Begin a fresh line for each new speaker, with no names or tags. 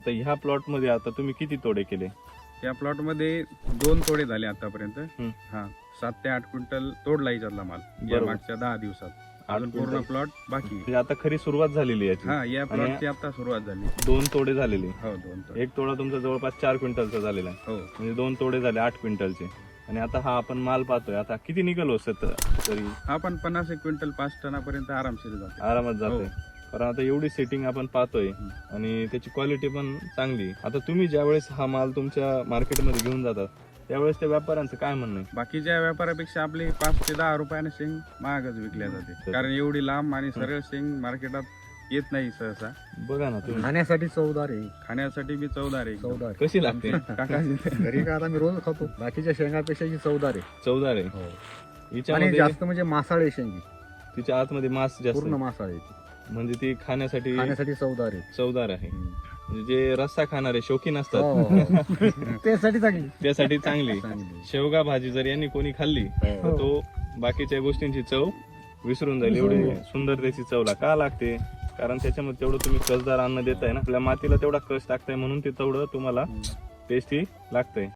तर ह्या प्लॉट मध्ये आता तुम्ही किती तोडे केले?
या प्लॉट मध्ये 2 तोडे झाले आतापर्यंत.
हम्म.
हा 7 ते 8 क्विंटल तोडला याच्यातला माल या
बरोबर.
मागच्या 10 दिवसात.
8
अजून पूर्ण
क्विंटल.
प्लॉट बाकी आहे.
म्हणजे आता खरी सुरुवात झालेली आहे याची.
हा या प्लॉटची आता सुरुवात झाली.
2 तोडे झालेले.
हो 2 तोडे.
एक तोडा तुमचा जवळपास 4 क्विंटलचा झालेला आहे.
हो
म्हणजे 2 तोडे झाले 8 क्विंटलचे. आणि आता हा आपण माल पाहतोय, आता किती निघाल हो तरी?
हा पण 50 क्विंटल 5 टनापर्यंत आरामशीर जातो.
आरामात जातोय.
हो.
कारण आता एवढी सेटिंग आपण पाहतोय आणि त्याची क्वालिटी पण चांगली. आता तुम्ही ज्यावेळेस हा माल तुमच्या मार्केटमध्ये घेऊन जातात त्यावेळेस त्या व्यापाऱ्यांचं काय म्हणणं आहे?
बाकीच्या व्यापारापेक्षा आपली 5 ते 10 रुपयाने शेंग महागच विकल्या जाते. कारण एवढी लांब आणि सरळ शेंग मार्केटात येत नाही सहसा.
बघा ना तुम्ही,
खाण्यासाठी चवदार आहे.
खाण्यासाठी बी चवदार आहे एकदम.
चवदार
कशी लागते?
काका
घरी का आता मी रोज खातो. बाकीच्या शेंगापेक्षा ही चवदार आहे.
चवदार आहे.
हो. आणि
हिच्यामध्ये
जास्त म्हणजे मासाळे शेंगी,
तिच्या आतमध्ये मांस जास्त
पूर्ण
आहे.
मासाळे
म्हणजे ती खाण्यासाठी
खाण्यासाठी चवदार आहे.
चवदार आहे. म्हणजे जे रस्सा खाणारे शौकीन असतात
हो. त्यासाठी चांगली
त्यासाठी चांगली.
चांगली.
शेवगा भाजी जर यांनी कोणी खाल्ली तर
हो.
तो बाकीच्या गोष्टींची चव विसरून जाईल. एवढी सुंदर त्याची चवला का लागते? कारण त्याच्यामध्ये तेवढं तुम्ही कसदार अन्न देताय ना, आपल्या मातीला तेवढा कस टाकताय म्हणून ते तेवढं तुम्हाला टेस्टी लागतंय.